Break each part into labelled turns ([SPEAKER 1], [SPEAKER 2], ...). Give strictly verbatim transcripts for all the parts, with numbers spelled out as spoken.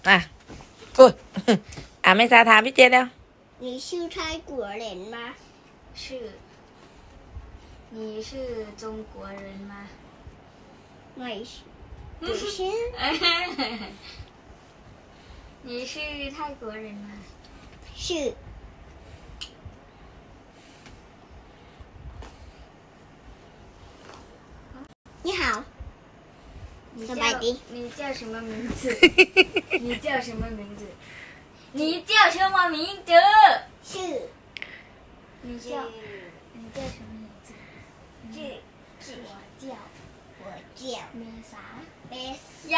[SPEAKER 1] อ่ะอุ้ยอ่ะไม่ซาถามพี่เจแล้ว
[SPEAKER 2] 你是泰国人吗？
[SPEAKER 3] 是。你是中国人吗？
[SPEAKER 2] ไม่是，不是。
[SPEAKER 3] 你是泰国人吗？
[SPEAKER 2] 是。你好。
[SPEAKER 3] 你
[SPEAKER 2] สบายดี
[SPEAKER 3] 你叫什么名字？你叫什么名字？你叫什么名字？
[SPEAKER 2] 是。
[SPEAKER 3] 你叫你叫什么名字？
[SPEAKER 2] 是是。
[SPEAKER 3] 我叫
[SPEAKER 2] 我叫
[SPEAKER 3] 梅啥？
[SPEAKER 2] 梅
[SPEAKER 3] 呀。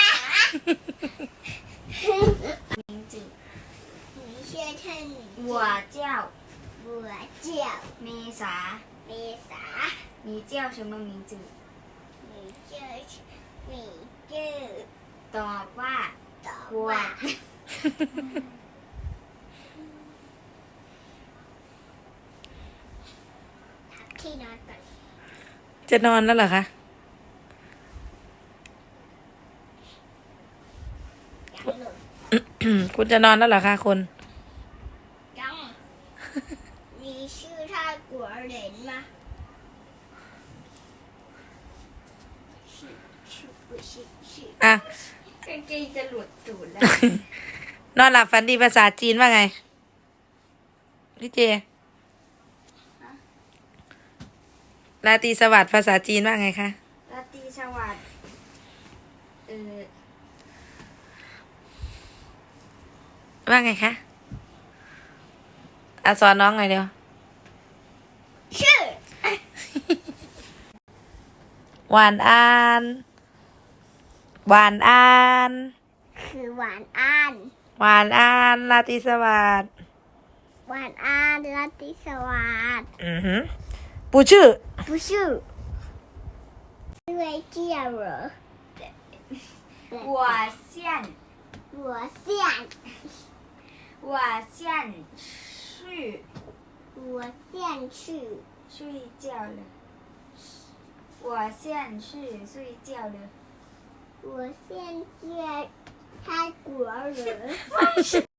[SPEAKER 3] 名字。
[SPEAKER 2] 你先称你。
[SPEAKER 3] 我叫
[SPEAKER 2] 我叫
[SPEAKER 3] 梅啥？
[SPEAKER 2] 梅啥？
[SPEAKER 3] 你叫什么名字？
[SPEAKER 2] 你叫你叫
[SPEAKER 3] ตอบว่า
[SPEAKER 2] ตอบ
[SPEAKER 3] ว่า
[SPEAKER 2] ว่าพักที่นอนก่อน
[SPEAKER 1] จะนอนแล้วเหรอคะ
[SPEAKER 2] ยังหล่น
[SPEAKER 1] คุณจะนอนแล้วเหรอคะคุณ
[SPEAKER 2] ยัง你是泰国人吗？是是不是是？
[SPEAKER 1] อ่ะ
[SPEAKER 3] กางเกงจะหลุดตูดแล้ว
[SPEAKER 1] นอนหลับฝันดีภาษาจีนว่าไง พี่เจราตรีสวัสดิ์ภาษาจีนว่าไงคะ
[SPEAKER 3] ราตรีสวัสดิ์เออ
[SPEAKER 1] ว่าไงคะอ่ะสอนน้องหน่อยเดียว
[SPEAKER 2] 是
[SPEAKER 1] หวานอานหวานอาน
[SPEAKER 2] คือหวานอ่าน
[SPEAKER 1] หวานอานราตรีสวัสดิ์
[SPEAKER 2] หวานอ่านราตรีสวัสดิ์
[SPEAKER 1] อือหือปูชื่อ
[SPEAKER 2] 不是因为这样了
[SPEAKER 3] หัวเซียน
[SPEAKER 2] 我想
[SPEAKER 3] หัวเซียนชื่อ
[SPEAKER 2] 我想去
[SPEAKER 3] 睡觉了我现去睡觉了
[SPEAKER 2] 我现在泰国人